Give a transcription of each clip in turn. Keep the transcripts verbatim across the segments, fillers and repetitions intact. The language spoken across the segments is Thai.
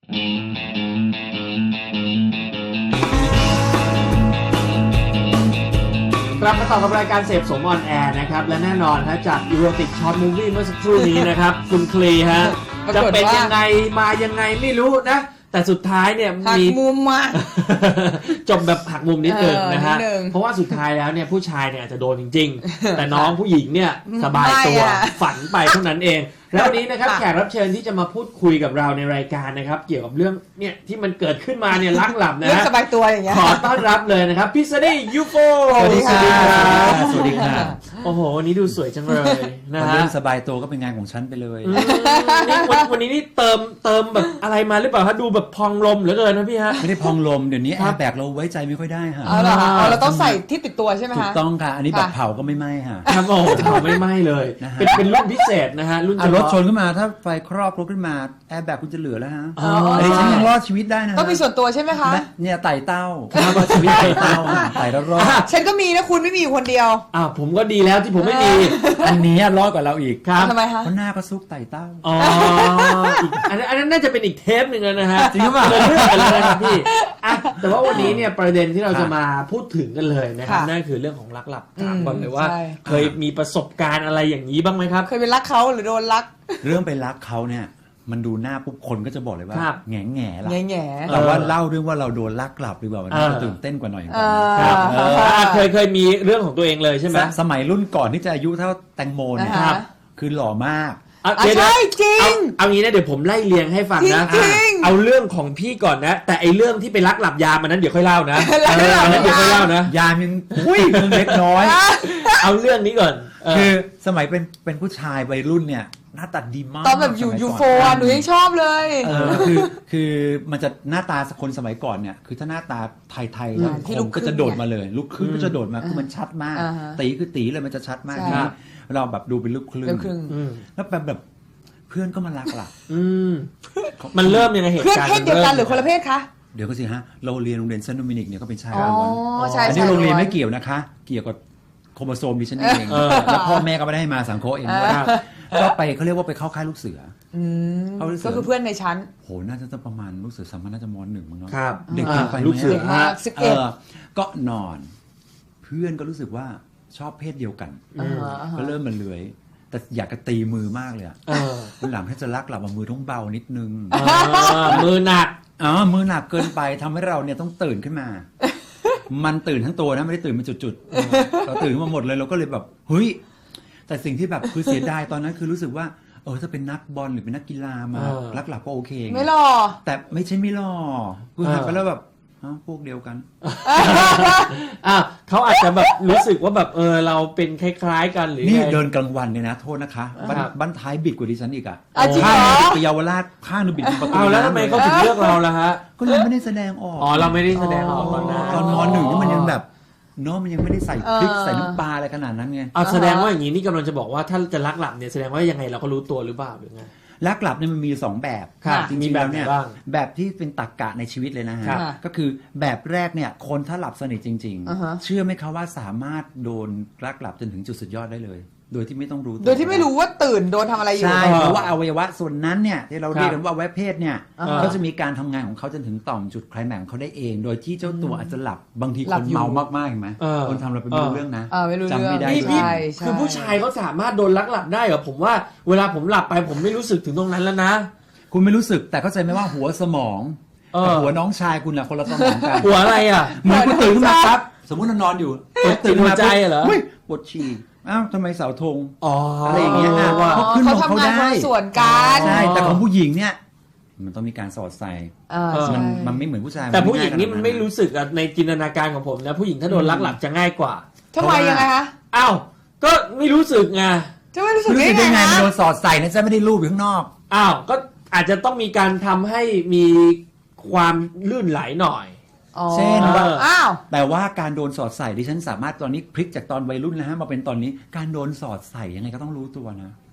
กลับมาต่อกับรายการเสพสมออนแอร์นะครับและแน่นอนฮะจากอีโรติกช็อตมูฟวี่เมื่อสักครู่นี้นะครับ คุณคลีฮะจะเป็นยังไงมายังไงไม่รู้นะแต่สุดท้ายเนี่ยหักมุมมาจบแบบหักมุมนิดนึงนะฮะเออนิดนึงเพราะว่าสุดท้ายแล้วเนี่ยผู้ชายเนี่ยอาจจะโดนจริงๆ แต่น้องผู้หญิงเนี่ยสบายตัวไม่อะฝันไปเท่านั้นเอง แล้ววันนี้นะครับค่ะแขกรับเชิญที่จะมาพูดคุยกับเราในรายการนะครับเกี่ยวกับเรื่องเนี่ยที่มันเกิดขึ้นมาเนี่ยลักหลับนะเรื่องฮะสบายตัวอย่างเงี้ยขอต้อนรับเลยนะครับพี่ซันนี่ยูโฟสวัสดีค่ะสวัสดีค่ะโอ้โหวันนี้ดูสวยจังเลยนะวันฮะเรื่องสบายตัวก็เป็นงานของฉันไปเลยอืมนี่วันวันนี้นี่เติมเติมแบบอะไรมาหรือเปล่าฮะดูแบบพองลมเหลือเกินนะพี่ฮะไม่ได้พองลมเดี๋ยวนี้แอครับร์แบกเราไว้ใจไม่ค่อยได้ค่ะเอาเหรอคะเอาเราต้องใส่ที่ติดตัวใช่ไหมถูคะกต้องค่ะ อันนี้แบบค่ะเผาก็ไม่ไหม้ค่ะครับโอ้โหเผาไม่ไหม้เลยนะฮะเป็นเป็นรุ่นพิเศษนะฮะรุ่นอ่ะเฉรถพาะชนขึ้นมาถ้าไฟครอบรถขึ้นมาแอร์แบกคุณจะเหลือแล้วฮะอ๋ออันนี้ฉันยังรอดชีวิตได้นะฮะต้องมีส่วนตัวใช่ไหมคะนะเนี่ยไต่เต้าครับว่าชีวิตไต่เต้าอ่ะไต่แล้วรอดฉันก็มีนะคุณไม่มีอยู่คนเดียวอ้าวผมก็ดีแล้วที่ผมไม่มีอันนี้รอดกว่าเราอีกครับทำไมคะเพราะหน้าก็ซุกไต่เต้าอ๋ออีกอันนั้นอันนั้นน่าจะเป็นอีกเทปหนึ่งแล้วนะฮะจริงหรือเปล่าเลยเรื่องกันเลยนะครับพี่อ่ะแต่ว่าวันนี้เนี่ยประเด็นที่เราจะค่ะมาพูดถึงกันเลยนะครับค่ะนั่นคือเรื่องของรักหลับอืมถามก่อนเลยว่าใช่เคยมีประสบการณ์อะไรอย่างนี้บ้างไหมครับเคยเป็นรักเขาหรือโดนรักเรื่องไปรักเขาเนี่ยมันดูหน้าปุ๊บคนก็จะบอกเลยว่าครับแง่แง่ละแง่แง่แต่ว่าเล่าเรื่องว่าเราโดนลักกลับดีกว่าวันนี้เออจะตื่นเต้นกว่าหน่อยเออครับเอออ่ะเคยเคยมีเรื่องของตัวเองเลยใช่ไหมสสมัยรุ่นก่อนที่จะอายุเท่าแตงโมเนี่ยอ่าฮะคือหล่อมากอ่ะอ่ะเดี๋ยวใช่จริเอางเอางี้นะเดี๋ยวผมไล่เรียงให้ฟังนะจริงๆเอาเรื่องของพี่ก่อนนะ แต่ไอเรื่องที่ไปรักหลับยามอันนั้นเดี๋ยวค่อยเล่านะรักหลับอันนั้นเดี๋ยวค่อยเล่านะยามยังอุ้ยมึงเล็กน้อยเอาเรื่องนี้ก่อนเออคือสมัยเป็นเป็นผู้ชายวัยรุ่นเนี่ยหน้าตาดีมากตอนแบบอยู่สมัยูก่โฟอ่ะหนูยังชอบเลยเออคือคือมันจะหน้าตาคนสมัยก่อนเนี่ยคือถ้าหน้าตาไทยๆแล้วอืมที่คลูนกครึ่ก็งจะโดดมาเลยลูกครึ่งก็จะโดดมาคือมันชัดมากอ่าฮะตีคือตีเลยมันจะชัดมากใช่ทีนี้เราแบบดูเป็นลูกครึ่งเรื่องครึ่งอืมแล้วแบบแบบเพื่อนก็มารักล่ะอืมมันเริ่มยังไงเหตุเพื่อนการณ์เพศเดียวกันหรือคนละเพศคะเดี๋ยวก็สิฮะเราเรียนโรงเรียนเซนต์โดมินิกเนี่ยก็เป็นชายอ๋อล้วนใช่อันใช่นี้โรงเรียนไม่เกี่ยวนะคะ เกี่ยวกับโครโมโซมดิฉันเองเออแล้วพ่อแม่ก็ไม่ได้ให้มาสังเคราะห์เองด้วยครับก็ไปเขาเรียกว่าไปเข้าค่ายลูกเสืออืมเอาลูกเสือก็คือเพื่อนในชั้นโหน่าจะต้องประมาณลูกเสือสามพันน่าจะมหนึ่งมั้งเนาะครับเด็กเกินไปไหมลูกเสือเด็กมากสิบเอเอ็ดอก็นอน เพื่อนก็รู้สึกว่าชอบเพศเดียวกันอ่าฮะอ่าฮะก็เริ่มมันเลื้อยแต่อยากจะตีมือมากเลยอะเออวันหลังถ้าจะรักหลับมามือต้องเบานิดนึงอ่ามือหนักอ๋อมือหนักเกินไปทำให้เราเนี่ยต้องตื่นขึ้นมา มันตื่นทั้งตัวนะไม่ได้ตื่นเป็นจุดๆเราตื่นขึ้นมาหมดเลยเราก็เลยแบบเฮ้ยแต่สิ่งที่แบบคือเสียดายตอนนั้นคือรู้สึกว่าเออถ้าเป็นนักบอลหรือเป็นนักกีฬามาเออรักหลับก็โอเคไงไม่หรอแต่ไม่ใช่ไม่หล่อคือเออหันไปแล้วแบบอ้าวพวกเดียวกันอ่ะเขาอาจจะแบบรู้สึกว่าแบบเออเราเป็นคล้ายๆกันหรือนี่ไงเดินกลางวันเนี่ยนะ โทษนะคะบ้านครับบ้านท้ายบิดกว่าดิฉันอีกอะอ่ะจริงเหรอข้างหนึ่งไปเยาวราชข้างหนึงบิดประตูเอาแล้วทำไมเขาถึงเลือกเราล่ะฮะก็เราไม่ได้แสดงออกอ๋อเราไม่ได้แสดงออกตอนนั้นตอนมหนึ่งนี่มันยังแบบเนาะมันยังไม่ได้ใส่พริกเออใส่น้ำปลาอะไรขนาดนั้นไงเอาแสดงว่าอย่างนี้นี่กำลังจะบอกว่าถ้าจะรักหลับเนี่ยแสดงว่ายังไงเราก็รู้ตัวหรือเปล่าหรือไงรักหลับเนี่ยมันมีสองแบบครับจมีริงๆแบแล้บวไหนเนี่ยบ้างแบบที่เป็นตรรกะในชีวิตเลยนะฮะครับก็คือแบบแรกเนี่ยคนถ้าหลับสนิทจริงอ่าฮะๆ เชื่อไหมคะว่าสามารถโดนรักหลับจนถึงจุดสุดยอดได้เลย โดยที่ไม่ต้องรู้ตัวโดยที่ไม่รู้ว่าตื่นโดนทำอะไรอยู่ใช่เออเพราะว่าอวัยวะส่วนนั้นเนี่ยที่เราครับเรียกกันว่าอวัยวะเพศเนี่ยอ่าฮะเขาจะมีการทำงานของเขาจนถึงต่อมจุดไคลแม็กซ์ของเขาได้เอง โดยที่เจ้าตัวอาจจะหลับบางทีหลัคบนอยู่เมามากๆเห็นไหมเออคนทำเราเป็นไม่รู้เรื่องนะเออไม่รู้จำไม่ได้เรื่องนี่เลยพี่ใช่ใช่คือผู้ชายเขาสามารถโดนลักหลับได้เหรอผมว่าเวลาผมหลับไปผมไม่รู้สึกถึงตรงนั้นแล้วนะคุณไม่รู้สึกแต่เข้าใจไหมว่าหัวสมองเออกับหัวน้องชายคุณอะคนละสมองกันหัวอะไรอ่ะเหมือนคุณตื่นขึ้นมาครับสมมติเรานอนอยู่ตื่นหัวใจเหรอฮ้ยปวดฉี่อ้าวทำไมเสาธงอ๋อออะไรอย่างเงี้ยอ่ะว่าเขาขึ้นเขาของเขาทำงานได้คนละส่วนกันใช่แต่ของผู้หญิงเนี่ยมันต้องมีการสอดใส่อ่าเออใช่มันมันไม่เหมือนผู้ชายแต่ผู้หญิงง่ายนี่มันไม่ขาดรู้สึกอะในจินตนาการของผมนะผู้หญิงถ้าโดนลักหลับจะง่ายกว่าทำไมยังไงคะอ้าวก็ไม่รู้สึกไงจะไม่รู้สึกรู้ได้สึกไงได้ไงมันคะโดนสอดใส่นะจะไม่ได้รูปอยู่ข้างนอกอ้าวก็อาจจะต้องมีการทำให้มีความลื่นไหลหน่อยอ๋อเช่นว่าอ้าวแต่ว่าการโดนสอดใส่ดิฉันสามารถตอนนี้พลิกจากตอนวัยรุ่นนะฮะมาเป็นตอนนี้การโดนสอดใส่ยังไงก็ต้องรู้ตัวนะ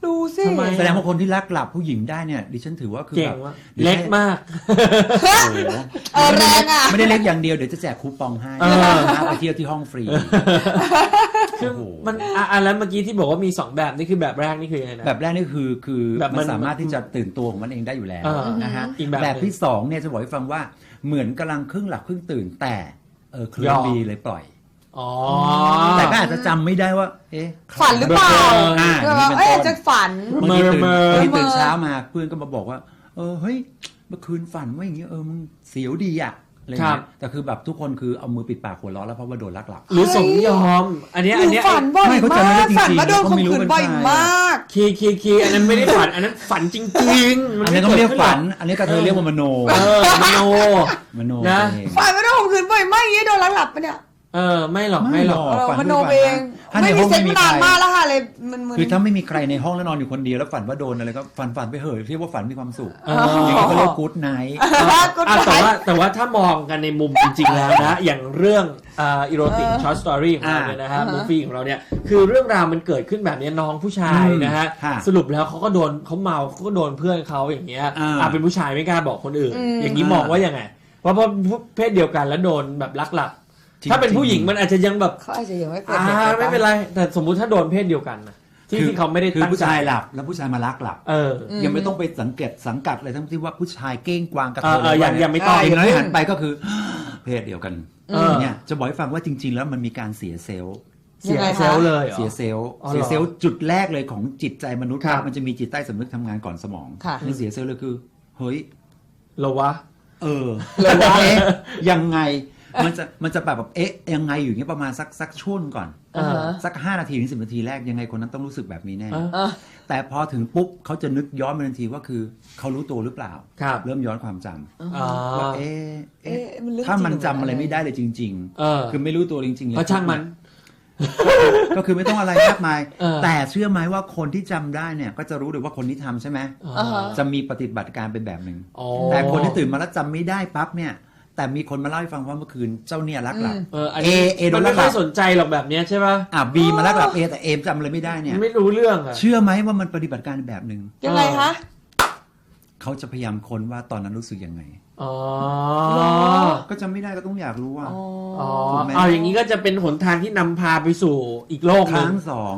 ดูสิทำไมแสดงว่าคนที่รักหลับผู้หญิงได้เนี่ยดิฉันถือว่าคือเก่แบงบว่ะดี๋ยวเล็กมากโอ้โหเออแรงอ่ะไม่ได้เล็กอย่างเดียวเดี๋ยวจะแจกคูปองให้เออนะไปเที่ยวที่ห้องฟรีคือโอ้โหมันอ่ะอ่ะแล้วเมื่อกี้ที่บอกว่ามีสองแบบนี่คือแบบแรกนี่คือยังไงนะแบบแรกนี่คือคือแบบมัมัน นสามารถที่จะตื่นตัวของมันเองได้อยู่แล้วเออนะฮะอีกแบบแบบที่สองเนี่ยจะบอกให้ฟังว่าเหมือนกำลังครึ่งหลับครึ่งตื่นแต่เออเคลื่ยอนอมดีเลยปล่อยอ๋อแต่ก็อาจจะจำไม่ได้ว่า เอ๊ะฝันหรือเปล่าอ่าเอนี่อเป็นเอ้ยต้นจะฝันบางทีตื่นเมอร์บางทีเมอร์ตื่นเช้ามาเพื่อนก็มาบอกว่า เออเฮ้ยเมื่อคืนฝันว่าอย่างเงี้ยเออมึงเสียวดีอ่ะอะไรครัเงี้บยแต่คือแบบทุกคนคือเอามือปิดปากหัวเราะแล้วเพราะว่าโดนลักหลับหรือสมยอม อันเนี้ยหอันนูเนี้ยฝันบ่อยไม่เขาจำไม่มาได้กจริงๆฝันว่าโดนเขาข่มไม่รู้ขืนเป็นบ่อยใครมากคีย์คีย์คีย์อันนั้นไม่ได้ฝัน อันนั้นฝันจริงๆอันนี้ก็ไม่เรียกฝันขึ้หรออันนี้ก็เธอเรียกว่ามโนเออมโนมโนนะเองฝันว่าโดนข่มขืนบ่อยมากอย่างนี้โดนลักหลับปะเนี่ยเออไม่หรอกไม่หรอกเออฝันมโนทุกวัเองถ้าในไม่ห้มีองเซ็ไม่ตมีนานใครมากแล้วค่ะเลยมันมึนคือถ้าไม่มีใครในห้องแล้วนอนอยู่คนเดียวแล้วฝันว่าโดนอะไรก็ฝันฝันไปเหอะเรียกว่าฝันมีความสุขเอออย่างนี้ก็เรียกกู๊ดไนท์ก็อ่ะฝัแต่นว่าแต่ว่าถ้ามองกันในมุมจริงๆแล้วนะ อย่างเรื่องอ่าอีโรติกช็อตสตอรี่ของเราเนี่ยนะฮะอ่ามูฟวี่ของเราเนี่ยคือเรื่องราวมันเกิดขึ้นแบบนี้น้องผู้ชายนะฮะค่ะสรุปแล้วเขาก็โดนเขาเมาเขาก็โดนเพื่อนเขาอย่างเงี้ยอ่าอ่ะเป็นผู้ชายไม่กล้าบอกคนอื่นอืมอย่างนี้มองว่ายังไงว่าเพราะเพศเดียวกันแล้วโดนแบบลักหลับจริงๆถ้าเป็นผู้หญิงมันอาจจะยังแบบเขาอาจจะยังไม่เกิดอ่าเหตุไม่เป็นไร แต่สมมุติถ้าโดนเพศเดียวกันนะที่คือที่เขาไม่ได้คือตั้งผู้ใจชายหลับแล้วผู้ชายมาลักหลับเออยังไม่ต้องไปสังเกตสังกัดอะไรทั้งที่ว่าผู้ชายเก้งกวางกระเอเทอย เออยังยังไม่ต้องอย่างน้อยหันไปก็คือ เพศเดียวกันเออเนี่ยจะบอกให้ฟังว่าจริง ๆ แล้วมันมีการเสียเซลล์เสียเซลล์เลยหรอเสียเซลล์อ๋อเหรอเสียเซลล์จุดแรกเลยของจิตใจมนุษย์ครับมันจะมีจิตใต้สำนึกทำงานก่อนสมองค่ะนี่เสียเซลล์เลยคือ เฮ้ยเหรอวะเออเลยว่าเอ๊ะยังไงมันจะมันจะแบบแบบเอ๊ะยังไงอยู่อย่างเงี้ยประมาณสักสักช่วงก่อนเออสักห้านาทีถึงสิบนาทีแรกยังไงคนนั้นต้องรู้สึกแบบนี้แน่เออเออแต่พอถึงปุ๊บเขาจะนึกย้อนมาทันทีว่าคือเขารู้ตัวหรือเปล่าครับเริ่มย้อนความจำอ๋อว่าเอ๊ะเอ๊ะเอ๊ะมันเรื่องถ้ามันจริงจำอะไรหรือไม่ได้เลยจริงเออคือไม่รู้ตัวจริงๆเลยก็ช่างมันก็คือไม่ต้องอะไรมากมายเออแต่เชื่อไหมว่าคนที่จำได้เนี่ย ก็จะรู้เลยว่าคนที่ทำใช่ไหมอ่าฮะจะมีปฏิบัติการเป็นแบบหนึ่งอ๋อแต่คนที่ตื่นมาแล้วจำไม่ได้ปั๊บเนี่ย แต่มีคนมาเล่าให้ฟังว่าเมื่อคืนเจ้าเนี่ยรักหลับเอออันนี้เอเอโดมันนลัไม่กหลัค่อบ ยสนใจหรอกแบบเนี้ยใช่ป่ะอ่ะบีมารักหลับเอแต่เอมจำอะไรไม่ได้เนี่ยไม่รู้เรื่องอ่ะเชื่อไหมว่ามันปฏิบัติการแบบหนึ่งยังไงคะเขาจะพยายามค้นว่าตอนนั้นรู้สึกยังไงอ๋อก็จำไม่ได้ก็ต้องอยากรู้ว่าอ๋อถูกไหมเอาอย่างนี้ก็จะเป็นหนทางที่นำพาไปสู่อีกโลกคหนึรั้งงสอง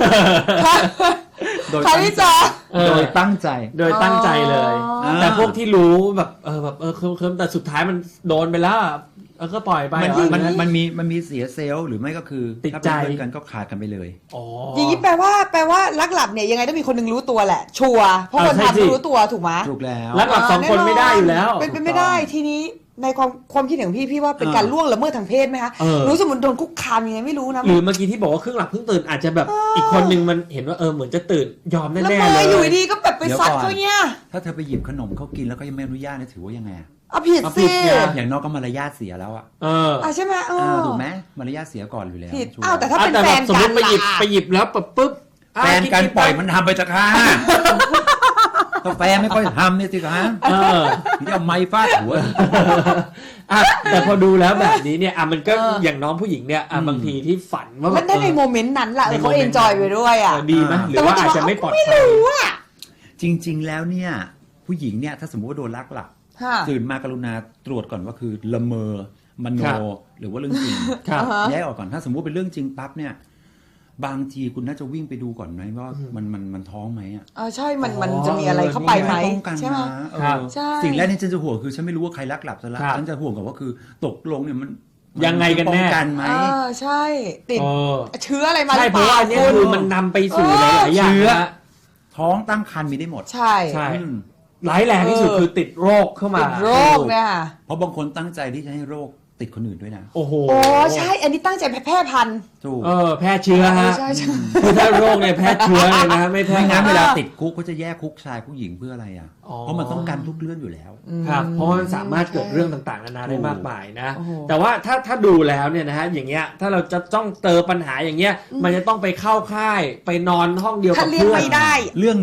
โดยใครตั้งที่ใจจะเออโดยตั้งใจโดยตั้งใจเลยอ๋อแต่พวกที่รู้แบบเออแบบเออเคิมเคิมแต่สุดท้ายมันโดนไปแล้วอะเออก็ปล่อยไปมันเหรอมันหรือมันมีมันมีเสียเซลล์หรือไม่ก็คือติดถ้าใจเป็นเพื่อนกันก็ขาดกันไปเลยอ๋ออย่างนี้แปลว่าแปลว่าลักหลับเนี่ยยังไงต้องมีคนหนึงรู้ตัวแหละ ชัวร์เพราะเอคอน ใช่ทำสิต้องรู้ตัวถูกไหมถูกแล้วรักหลับสองคนไม่ได้อยู่แล้วเป็นเป็นไม่ได้ทีนี้ในความความคิดเห็นของพี่พี่ว่าเป็นการล่วงละเมิดทางเพศไหมคะเออรู้สมมติโดนคุกคามยังไงไม่รู้นะหรือเมื่อกี้ที่บอกว่าครึ่งหลับครึ่งตื่นอาจจะแบบอีกคนนึงมันเห็นว่าเออเหมือนจะตื่นยอมแล้วแน่มาๆเลยอยู่ดีๆก็แบบไปซัดเขาเนี่ยถ้าเธอไปหยิบขนมเขากินแล้วก็ยังไม่อนุญาตเนี่ยถือว่ายังไงอะเอาผิดเอาสิผิดไงอย่างน้อยก็มารยาทเสียแล้วอะเอออ่ะใช่ไหมเอออ่าถูกไหมมารยาทเสียก่อนอยู่แล้วผิดชัวร์อ้าวแต่ถ้าอ่ะเป็นแต่แฟแบบนสมมกันติไปหยิบล่ะไปหยิบแล้วปุ๊บปุ๊บะแฟนกันๆปล่อยมันทำไปจะค่ะถ้าแฟนไม่ค่อยทำเนี่ยสิคะเออพี่เอาไม้ฟาดหัวอ่ะแต่พอดูแล้วแบบนี้เนี่ยอ่ะมันก็เออออย่างน้องผู้หญิงเนี่ยอ่ะอืมบางทีที่ฝันว่าแบมันบได้ในเออโมเมนต์นั้นล่ะในเขาโมเมเอนต์นจอยไปด้วยอ่ะเออดีไหมหรือว่าอาจจะไม่ปลอดไม่ภัยรู้อ่ะจริง ๆ แล้วเนี่ย ผู้หญิงเนี่ยถ้าสมมติว่าโดนลักหลับค่ะตื่นมากรุณาตรวจก่อนว่าคือละเมอมโนครับหรือว่าเรื่องจริงครับอ่าฮะแยกออกก่อนถ้าสมมติเป็นเรื่องจริงปั๊บเนี่ย บางทีคุณน่าจะวิ่งไปดูก่อนไหมว่ามันมันมันท้องไหมอ่ะเออใช่มันมันอ๋อจะมีอะไรเข้าไปไหมป้องกันใช่ไหมนะเออครับใช่สิ่งแรกที่ฉันจะห่วงคือฉันไม่รู้ว่าใครลักหลับซะละครับฉันจะห่วงกับว่าคือตกลงเนี่ยมันมัยังไงกันแน่ป้องกันไหมเออใช่ติดเออเชื้ออะไรมาหใช่รือเพเปราะล่าว่าอันเนี้ยคุณคือมันนำไปสู่หลายๆอย่างเชื้อนะท้องตั้งครรภ์มีได้หมดใช่ใช่อืมร้ายแรงที่สุดเออคือติดโรคเข้ามาติดโรคเนี่ยค่ะเพราะบางคนตั้งใจที่จะให้โรคติดคนอื่นด้วยนะโอ้โหโอ้ใช่ อันนี้ตั้งใจแพร่พันธุ์ถูกเออแพร่เชื้อฮะใช่ใช่คือถ้าโรคเนี่ยแพร่เชื้อเลยนะไม่แพร่ไม่งั้นน้ำเวเวลาลาติดคุกเขาจะแยกคุกชายผู้หญิงเพื่ออะไรอ่ะอ๋อเพราะมันต้องการทุกเรื่องอยู่แล้วครับเพราะว่ามันสามารถเกิดเรื่องต่างๆนานาได้มากมายนะโอ้โหแต่ว่าถ้าถ้าดูแล้วเนี่ยนะฮะอย่างเงี้ยถ้าเราจะต้องเจอปัญหาอย่างเงี้ยมันจะต้องไปเข้าค่ายไปนอนห้องเดียวถ้ากับเลี้ยงเพื่อนไม่ได้เรื่องเนี้ย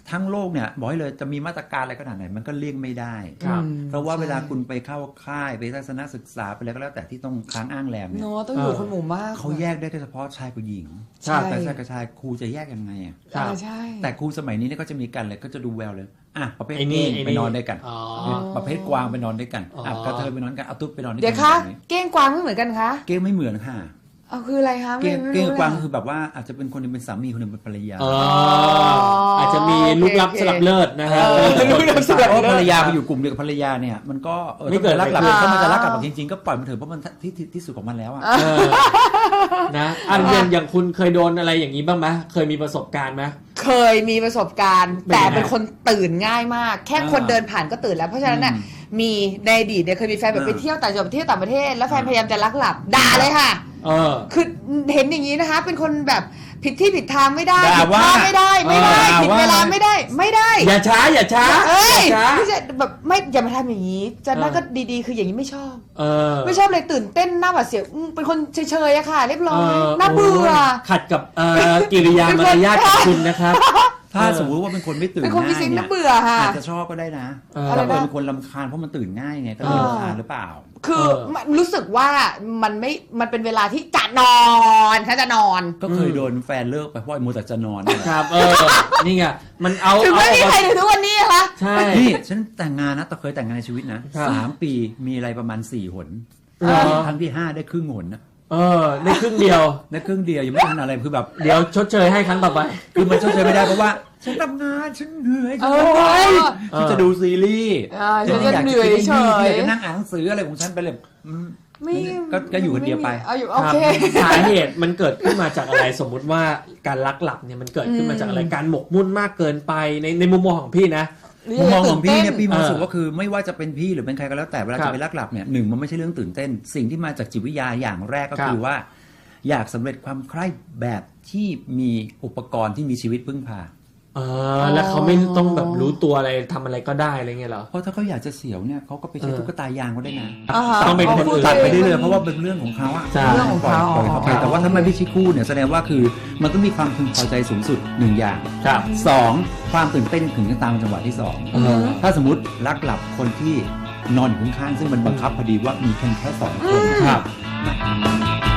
ทั้งโลกเนี่ยบอกให้เลยจะมีมาตรการอะไรขนาดไหนมันก็เลี่ยงไม่ได้ครับเพราะว่าใช่เวลาคุณไปเข้าค่ายไปทัศนศึกษาไปอะไรก็แล้วแต่ที่ต้องค้างอ้างแรมเนี่ยเนาะต้องอยู่เออคนหมู่มากเขาแยกได้เฉพาะชายกับหญิงใช่แต่ชายกับชายครูจะแยกยังไงอ่ะครับอ่าใช่แต่ครูสมัยนี้เนี่ยก็จะมีกันเลยก็จะดูแววเลยอ่ะประเภทไอ้นี่เก้งไอ้นี่ไปนอนด้วยกันอ๋อประเภทกวางไปนอนด้วยกันอ๋ออ่อ่ะกระเทยไปนอนกันเอาตุ๊ดไปนอนด้วยเดี๋กัยวคะแบบนี้เก้งกวางไม่เหมือนกันคะเก้งไม่เหมือนค่ะเอาคืออะไรคะเก้งไม่เก้งรู้กวางเลยคือแบบว่าอาจจะเป็นคนหนึงเป็นสามีคนหนึงเป็นภรรยาเอออาจจะมีลูกลับโอเคสลับเลิศนะครับเออลูกลับสลับเพราะภรรยาไปอยู่กลุ่มเดียวกับภรรยาเนี่ยมันก็ออไม่เกิดรักกลับอะไรขึ้นถ้ามันจะรักกลับจริงๆก็ปล่อยมันเถอะเพราะมันที่ที่ที่สุดของมันแล้วอ่ะเออนะอันเรียนอย่างคุณเคยโดนอะไรอย่างนี้บ้างไหมเคยมีประสบการณ์ไหมเคยมีประสบการณ์เป็นแต่ยังไงเป็นคนตื่นง่ายมาก แค่คนอ่าเดินผ่านก็ตื่นแล้วเพราะฉะนั้นน่ะอืมมีในอดีตเนี่ยเคยมีแฟนแบบอ่าไปเที่ยวต่างจังหวัดไปเที่ยวต่างประเทศแล้วแฟนพยายามจะลักหลับด่าเลยค่ะเออคือเห็นอย่างนี้นะคะ เป็นคนแบบผิดที่ผิดทางไม่ได้ด่าผิดว่าท่าไม่ได้ไม่ได้เออผิดด่าว่าเวลาไม่ได้ไม่ได้อย่าช้าอย่าช้าเอ้ยอย่าช้าไม่ใช่แบบไม่อย่ามาทำอย่างนี้จะนั่นเออก็ดีๆ คืออย่างนี้ไม่ชอบเออไม่ชอบเลยตื่นเต้นหน้าหวาดเสียวอืมเป็นคนเฉยๆอะค่ะ เรียบร้อยเออน่าเบื่อขัดกับเอ่อกิริยามารยาทของคุณนะครับถ้าเออสมมติว่าเป็นคนไม่ตื่นเป็นคนมีง่ายสิ่งเนี่น่าย เบื่อค่ะอาจจะชอบก็ได้นะเออแต่อะไรนะเป็นคนลำคาญเพราะมันตื่นง่ายไงก็เลยเออรำคาญหรือเปล่าคือเออมันรู้สึกว่ามันไม่มันเป็นเวลาที่จะนอนถ้าจะนอนก็เคยโดนแฟนเลิกไปเพราะไอ้มัวแต่จะนอนนี่แหละครับ เออ นี่ไง มันเอาถึงไม่มีเอาใครถึงทุกวันนี้นะคะใช่นี่ฉันแต่งงานนะแต่เคยแต่งงานในชีวิตนะครับ สามปีมีอะไรประมาณสี่หนเหรอครั้งที่ห้าได้ครึ่งหนนะเออได้ครึ่งเดียวได้ครึ่งเดียวยังไม่ทันอะไรคือแบบเดี๋ยวชดเชยให้ครั้งต่อไปคือมันชดเชยไม่ได้เพราะว่าฉันทำงานฉันเหนื่อยเอฉันอไม่ไหวเออฉันจะดูซีรีส์อ่าฉันไม่จะเหนื่อยเฉยอยากจะนั่งอ่านหนังสืออะไรของฉันไปเลยอืมไม่ก็ก็อยู่คนเดียวไปเอาอยู่คโอรับเคสาเหตุมันเกิดขึ้นมาจากอะไรสมมุติว่าการลักหลับเนี่ยมันเกิดขึ้นมาจากอะไรอืมการหมกมุ่นมากเกินไปในในมุมมองของพี่นะมุมมองของพี่เนี่ยพี่มองเออสุว่าคือไม่ว่าจะเป็นพี่หรือเป็นใครก็แล้วแต่เวลาครัจะบไปลักหลับเนี่ยหนึ่งมันไม่ใช่เรื่องตื่นเต้น สิ่งที่มาจากจิตวิทยาอย่างแรกก็ครับคือว่า อยากสำเร็จความใคร่แบบที่มีอุปกรณ์ที่มีชีวิตพึ่งพาเออแล้วเขาไม่ต้องแบบรู้ตัวอะไรทำอะไรก็ได้อะไรเงี้ยเหรอเพราะถ้าเขาอยากจะเสียวเนี่ยเขาก็ไปใช้เออตุ๊กตายางก็ได้นะอ่าฮะต้องเป็นคนอื่นตัดไปเรื่อยๆมันเพราะว่าเป็นเรื่องของเขาอะใช่เรื่องของเขาปล่อยเขาไปอ๋อแต่ว่าถ้ามันไม่ใช่คู่เนี่ยแสดงว่าคือมันต้องมีความพึงพอใจสูงสุดหนึ่งอย่างครับสองความตื่นเต้นถึงจะตามจังหวะที่สองเออถ้าสมมติลักหลับคนที่นอนอยู่ข้างๆซึ่งมันบังคับพอดีว่ามีเพียงแค่สองคนครับนะ